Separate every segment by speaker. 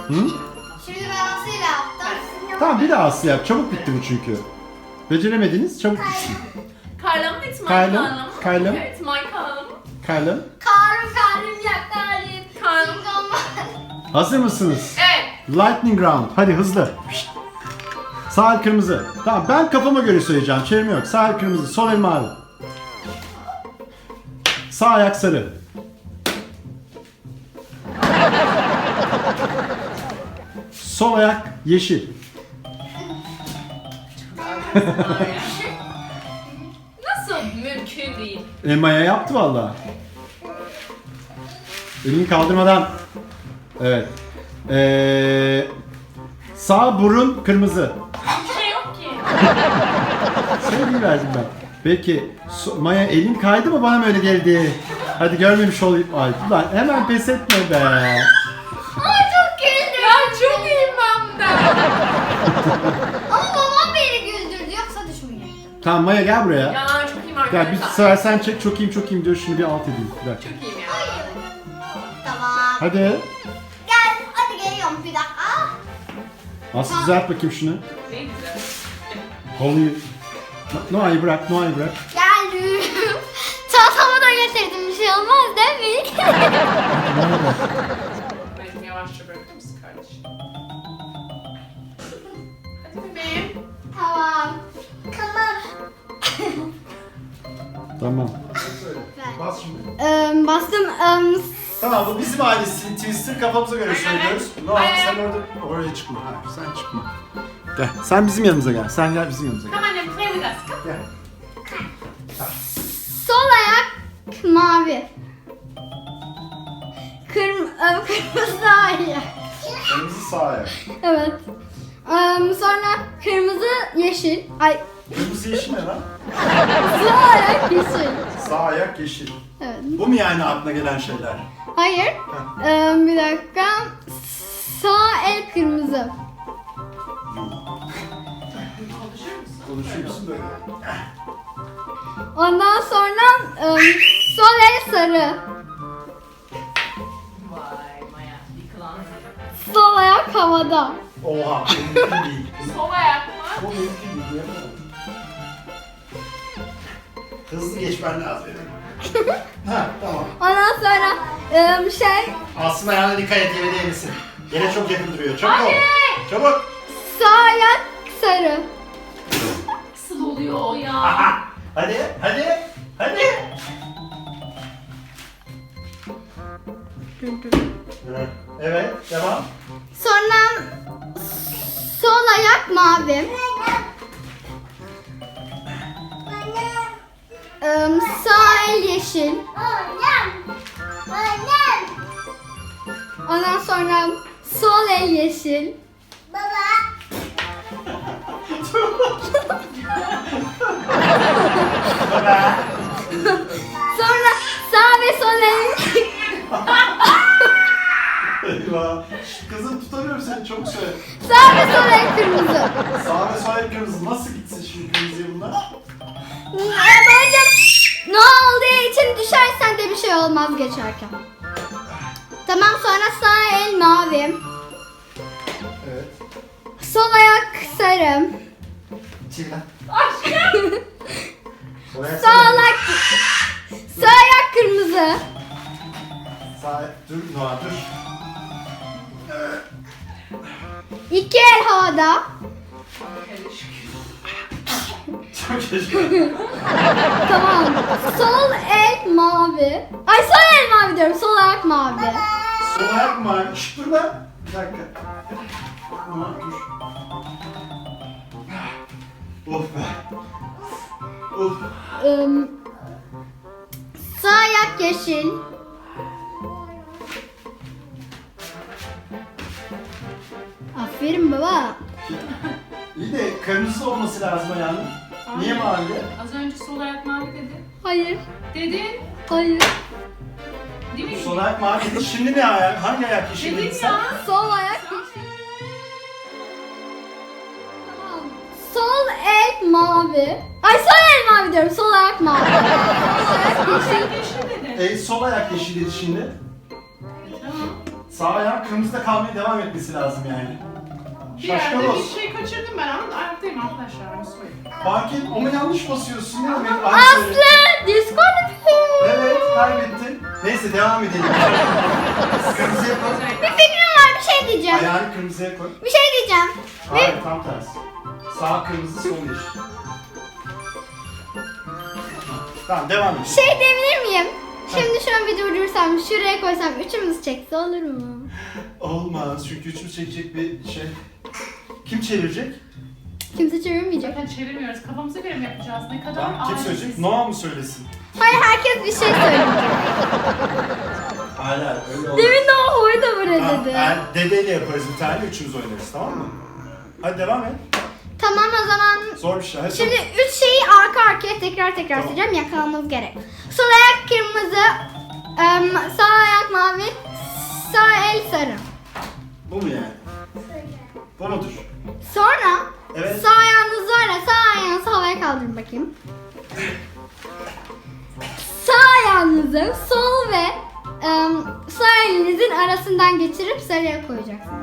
Speaker 1: Şimdi ben Aslı'yla yaptım.
Speaker 2: Tamam bir daha Aslı yap. Çabuk bitti bu çünkü. Beceremediniz çabuk bitti.
Speaker 3: Carl'ım, it's my
Speaker 2: Carl'ım,
Speaker 3: Carl'ım.
Speaker 2: Carl'ım.
Speaker 3: It's my Carl'ım.
Speaker 2: Kalem.
Speaker 1: Karım yaklarım.
Speaker 3: Carl'ım.
Speaker 2: Hazır mısınız?
Speaker 3: Evet.
Speaker 2: Lightning round. Hadi hızlı. Pişt. Sağ el kırmızı. Tamam ben kafama göre söyleyeceğim. Çevirme yok. Sağ el kırmızı. Sol el mavi. Sağ ayak sarı. Sol ayak yeşil.
Speaker 3: Nasıl mümkün değil?
Speaker 2: Maya yaptı valla. Elini kaldırmadan. Evet. Sağ burun kırmızı.
Speaker 3: Bir şey yok ki.
Speaker 2: Söyleyiverdim ben. Peki Maya elin kaydı mı bana mı öyle geldi? Hadi görmemiş olayım. Ay ulan hemen pes etme be.
Speaker 1: Ay çok güldüm.
Speaker 3: Ya çok iyiyim ben de.
Speaker 1: Ama babam beni güldürdü yoksa düşmeyecek.
Speaker 2: Tamam Maya gel buraya.
Speaker 3: Ya çok iyiyim
Speaker 2: Gel bir
Speaker 3: arkadaşlar.
Speaker 2: sefer sen çek çok iyiyim diyor şunu bir alt edeyim. Ver.
Speaker 3: Çok iyiyim ya.
Speaker 1: Tamam.
Speaker 2: Hadi.
Speaker 1: Gel hadi geliyorum bir dakika.
Speaker 2: Aslı düzelt bakayım şunu.
Speaker 3: Ne güzel.
Speaker 2: Halıyı. Noah'yı bırak, Noah'yı bırak.
Speaker 1: Geldim. Çantamı da getirdim bir şey olmaz değil mi?
Speaker 3: Benim yavaşça bırakır mısın kardeşim? Hadi bebeğim.
Speaker 1: Tamam.
Speaker 2: Tamam. Bas şimdi.
Speaker 1: Bastım.
Speaker 2: Tamam bu bizim ailesi. Twister kafamıza göre söylüyoruz. Noah
Speaker 3: Aynen.
Speaker 2: sen oraya çıkma. Hayır sen çıkma. Gel. Sen bizim yanımıza gel. Sen gel bizim yanımıza gel.
Speaker 3: Come on, then play with us. Come.
Speaker 2: Gel.
Speaker 1: Sol ayak mavi. Kırmızı ayak.
Speaker 2: Kırmızı sağ ayak.
Speaker 1: Evet. Sonra kırmızı yeşil. Ay
Speaker 2: Kırmızı yeşil ne lan?
Speaker 1: sağ ayak yeşil.
Speaker 2: Sağ ayak yeşil.
Speaker 1: Evet.
Speaker 2: Bu mu yani aklına gelen şeyler?
Speaker 1: Hayır. Bir dakika. Sağ el kırmızı.
Speaker 3: Konuşur musun?
Speaker 2: Konuşuyor musun böyle?
Speaker 1: Ondan sonra sol el sarı.
Speaker 3: Vay Maya, yıkılan.
Speaker 1: Sol ayak havada.
Speaker 2: Oha, bu mümkün değil.
Speaker 3: Sol ayak mı?
Speaker 2: Bu mümkün değil. Yapamam. Hızlı geçmen lazım benim. Ha, tamam.
Speaker 1: Ondan sonra
Speaker 2: Aslında ayağına dikkat et, yere değmesin. Yere çok yakın duruyor. Çabuk ol.
Speaker 3: Hadi.
Speaker 2: Çabuk.
Speaker 1: sağ ayak sarı.
Speaker 3: Nasıl oluyor o ya?
Speaker 2: Aha. Hadi, hadi, hadi. Evet, devam.
Speaker 1: Sonra sol ayak mavi. Sağ el yeşil. Ondan sonra sol el yeşil. Sonra sağ ve sol el.
Speaker 2: Eyvah. Kızım tutamıyorum seni, çok söyle.
Speaker 1: Sağ ve sol el kırmızı.
Speaker 2: Sağ ve sol el kırmızı. Nasıl gitsin şimdi kırmızıya bunlar?
Speaker 1: Bence ne olduğu için düşersen de bir şey olmaz geçerken. Tamam sonra sağ el mavi.
Speaker 2: Evet.
Speaker 1: Sol ayak sarı.
Speaker 2: Çiğ lan.
Speaker 3: Aşkım.
Speaker 1: Sağ ayak, sağ ayak kırmızı.
Speaker 2: Sağ dur Noah dur.
Speaker 1: İki el havada.
Speaker 2: Çok şaşırdım.
Speaker 1: Tamam. Sol el mavi. Ay sol el mavi diyorum. Sol ayak mavi.
Speaker 2: Sol ayak mı var? Şşt dur lan. Bir dakika. Noah dur. Of be. Of.
Speaker 1: Sağ ayak yeşil. Aferin baba.
Speaker 2: İyi de kırmızı olması lazım ayağının. Niye mavi?
Speaker 3: Az önce sol ayak mavi dedi.
Speaker 1: Hayır.
Speaker 3: Dedin.
Speaker 1: Hayır.
Speaker 3: Değil mi?
Speaker 2: Sol ayak mavi dedi. Şimdi ne ayak? Hangi ayak yeşil
Speaker 3: Dedin
Speaker 2: dedin sen?
Speaker 3: ya.
Speaker 1: Sol ayak yeşil. Tamam. Sol el mavi. Ay sol el mavi diyorum. Sol ayak mavi. Sol ayak yeşil.
Speaker 3: Yeşil dedin.
Speaker 2: Sol ayak yeşil dedi şimdi.
Speaker 3: Tamam.
Speaker 2: Sağ ayağın kırmızıda kalmaya devam etmesi lazım yani.
Speaker 3: Bir yerde
Speaker 2: Şaşkın
Speaker 3: bir
Speaker 2: olsun.
Speaker 3: şey kaçırdım ben ama ayaktayım arkadaşlar. Onu söyleyeyim.
Speaker 2: Fark et ama yanlış basıyorsun. Ne demek?
Speaker 1: Aslı diskalifiye.
Speaker 2: Evet kaybettin. Neyse devam edelim. Kırmızıya koy.
Speaker 1: Bir fikrim var, bir şey diyeceğim.
Speaker 2: Ayağını kırmızıya koy.
Speaker 1: Bir şey diyeceğim.
Speaker 2: Hayır tam tersi. Sağ kırmızı sol yeşil. Tamam devam edelim.
Speaker 1: Şey diyebilir miyim? Şimdi şunu bir durdursam, şuraya koysam, üçümüz çekse olur mu?
Speaker 2: Olmaz çünkü üçümüz çekecek bir şey. Kim çevirecek?
Speaker 1: Kimse çevirmeyecek.
Speaker 3: Zaten çevirmiyoruz. Kafamıza göre mi yapacağız? Ne kadar
Speaker 2: Tamam kim söyleyecek?
Speaker 3: ailesiz.
Speaker 2: Noah mı söylesin?
Speaker 1: Hayır, herkes bir şey söyleyecek.
Speaker 2: Hala öyle olmaz.
Speaker 1: Demin de o hoy da böyle
Speaker 2: Tamam,
Speaker 1: dedi.
Speaker 2: dedeyle yaparız bir tane üçümüz oynarız tamam mı? Hadi devam et.
Speaker 1: Tamam o zaman.
Speaker 2: Zor bir şey. Hadi
Speaker 1: Şimdi üç şeyi arka arkaya tekrar
Speaker 2: Tamam.
Speaker 1: söyleyeceğim, yakalamamız gerek. Sol ayak kırmızı, sağ ayak mavi, sağ el sarı.
Speaker 2: Bu mu yani? Bu mudur?
Speaker 1: Sonra
Speaker 2: Evet.
Speaker 1: sağ ayağınız var ya, sağ ayağınızı havaya kaldırın bakayım. Sağ ayağınızı sol ve sağ elinizin arasından geçirip sarıya koyacaksınız.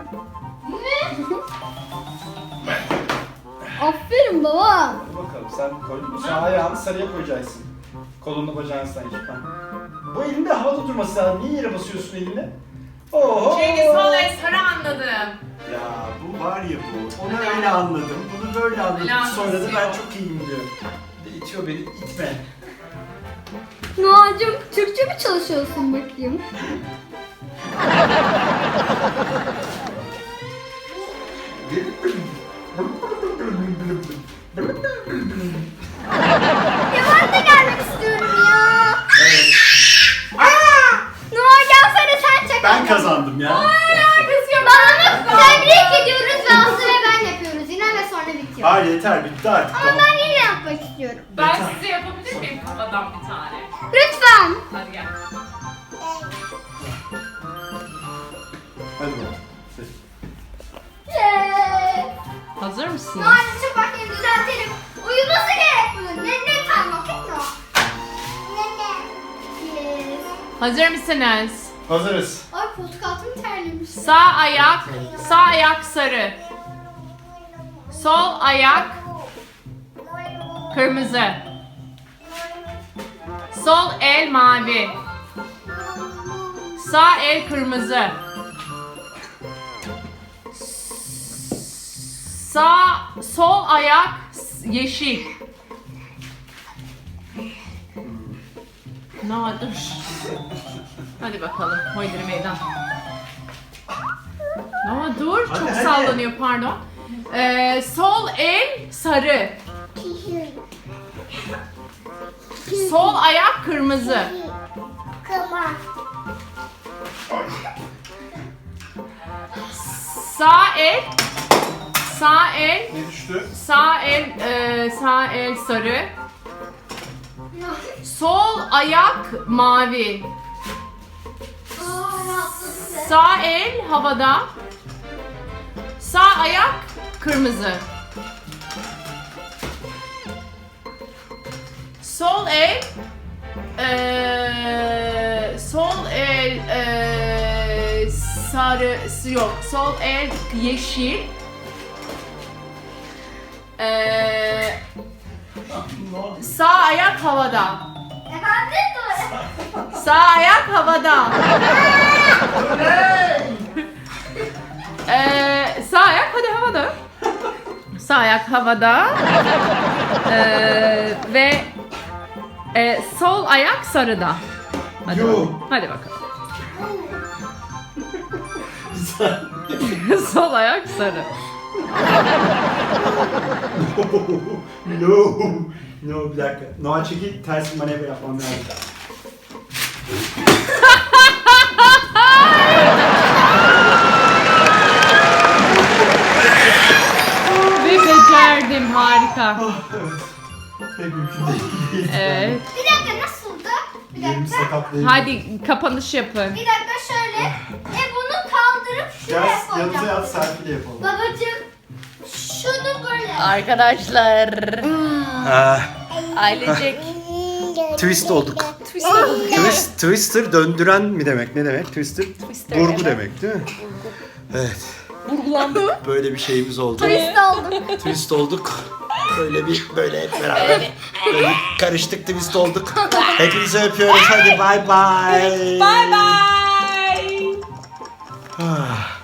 Speaker 1: Aferin baba.
Speaker 2: Hadi bakalım sen koydun mu? Sağ ayağını sarıya koyacaksın. Kolunu bacağını sen yık. Bu elinde havada durması lazım. Niye yere basıyorsun eline? Oho!
Speaker 3: Cengiz sol el sarı anladım.
Speaker 2: Ya bu var ya bu. Onu öyle anladım. Bunu böyle anladım.
Speaker 3: Alakası
Speaker 2: Sonra da ben
Speaker 3: yok.
Speaker 2: çok iyiyim diyor. Bir de itiyor beni. İtme.
Speaker 1: Noacığım, Türkçe mi çalışıyorsun bakayım? Ya ben de gelmek istiyorum ya.
Speaker 2: Evet.
Speaker 1: Noa gelsene, sen çek.
Speaker 2: Ben kazandım ya.
Speaker 1: Bana tebrik ediyoruz ve Aslı ve ben yapıyoruz yine ve sonra bitiyor.
Speaker 2: Hayır yeter bitti artık.
Speaker 1: Ama
Speaker 2: Tamam.
Speaker 1: ben yine yapmak istiyorum.
Speaker 3: Ben size yapabilir miyim kafadan bir tane?
Speaker 1: Lütfen.
Speaker 3: Hadi gel.
Speaker 2: Hadi bakalım.
Speaker 3: Hazır mısın?
Speaker 1: Noa'cığım bakayım düzeltelim. Uyuması gerek bunun. Ne time vakit mi o? Yes.
Speaker 3: Hazır mısınız?
Speaker 2: Hazırız.
Speaker 1: Ay koltuk altım terlemiş.
Speaker 3: Sağ ayak sarı. Sol ayak kırmızı. Sol el mavi. Sağ el kırmızı. Sol ayak yeşil. Ne oldu? Hadi bakalım. Hoydur meydan. Ama dur.
Speaker 2: Hadi,
Speaker 3: Çok
Speaker 2: hadi.
Speaker 3: sallanıyor pardon. Sol el sarı. Sol ayak kırmızı. Sağ el
Speaker 2: Ne düştü?
Speaker 3: sağ el sarı. Sol ayak mavi. Sağ el havada. Sağ ayak kırmızı. Sol el sarı yok. Sol el yeşil. Sağ ayak havada.
Speaker 1: Efendim doğru.
Speaker 3: Sağ ayak havada. Sağ ayak hadi havada. Sağ ayak havada. Ve sol ayak sarıda. Hadi,
Speaker 2: Yo.
Speaker 3: bakalım. Hadi bakalım.
Speaker 2: Güzel.
Speaker 3: Sol ayak sarı.
Speaker 2: No. No bir dakika. Noah çekil ters bir manevra yapmam lazım.
Speaker 3: Ve becerdim harika.
Speaker 2: Ah, evet. Pek mümkün değil.
Speaker 3: Evet.
Speaker 1: Bir dakika nasıldı? Bir
Speaker 2: Yerim
Speaker 1: dakika.
Speaker 2: sakatlayayım.
Speaker 3: Hadi kapanış yapın.
Speaker 1: Bir dakika şöyle. Bunu kaldırıp şuraya
Speaker 2: Gel yanımıza
Speaker 1: koyacağım.
Speaker 2: yat selfie yapalım.
Speaker 1: Babacığım şunu böyle.
Speaker 3: Arkadaşlar. Ailecek
Speaker 2: Twist olduk.
Speaker 3: Twister bulduk.
Speaker 2: Twister döndüren mi demek? Ne demek? Twister
Speaker 3: Twister,
Speaker 2: burgu
Speaker 3: evet.
Speaker 2: demek değil mi? Evet.
Speaker 3: Vurgulandık.
Speaker 2: Böyle bir şeyimiz oldu.
Speaker 1: Twist oldum.
Speaker 2: Twist olduk. Böyle hep beraber. Böyle karıştık, twist olduk. Hepinizi öpüyoruz. Hadi bay bay.
Speaker 3: Bye bye.
Speaker 2: Ah.